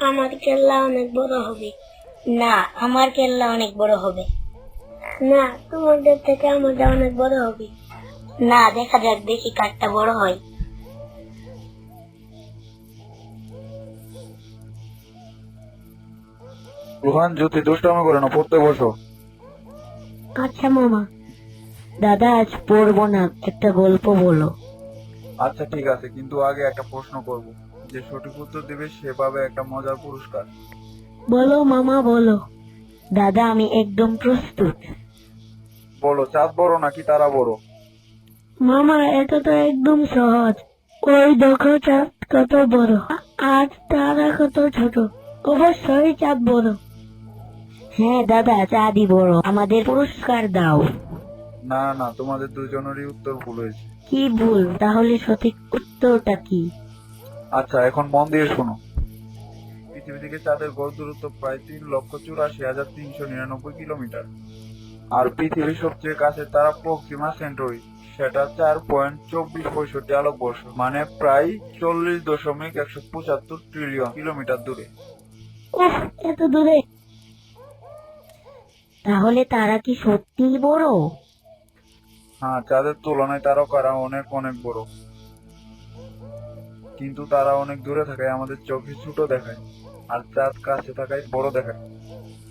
আমার কেল্লা অনেক বড় হবে। না, আমার কেল্লা অনেক বড় হবে। না, তোমাদের থেকে আমাদের অনেক বড় হবে। না, দেখা যাক দেখি কারটা বড় হয়। রোহান, জ্যোতি দুষ্টামি করে না, পড়তে বসো। আচ্ছা মামা। দাদা আজ পড়বো না, একটা গল্প বলো। আচ্ছা ঠিক আছে, কিন্তু আগে একটা প্রশ্ন করব। যে সঠিক উত্তর দেবে সে পাবে একটা মজার পুরস্কার। বলো মামা বলো। দাদা আমি একদম প্রস্তুত। বলো, চাঁদ বড় নাকি তারা বড়? মামা এটা তো একদম সহজ। ওই দেখো চাঁদ কত বড়, আর তারা কত ছোট। অবশ্যই চাঁদ বড়। হ্যাঁ দাদা, চাঁদই বড়। আমাদের পুরস্কার দাও। না না, তোমাদের দুজনেরই উত্তর ভুল হয়েছে। কি ভুল? তাহলে সঠিক উত্তরটা কি? আচ্ছা, এখন মন দিয়ে শোনো। পৃথিবী থেকে চাঁদের গড় দূরত্ব প্রায় 3,84,399 কিলোমিটার। আর পৃথিবীর সবচেয়ে কাছে তারা প্রক্সিমা সেন্টারি, সেটা 4.2465 আলোকবর্ষ, মানে প্রায় 40.175 ট্রিলিয়ন কিলোমিটার দূরে। উফ, এত দূরে! তাহলে তারা কি সত্যিই বড়? হ্যাঁ, চাঁদের তুলনায় তারকারা অনেক অনেক বড়, কিন্তু তারা অনেক দূরে থাকায় আমাদের চোখে ছোট দেখায়, আর চাঁদ কাছে থাকায় বড় দেখায়।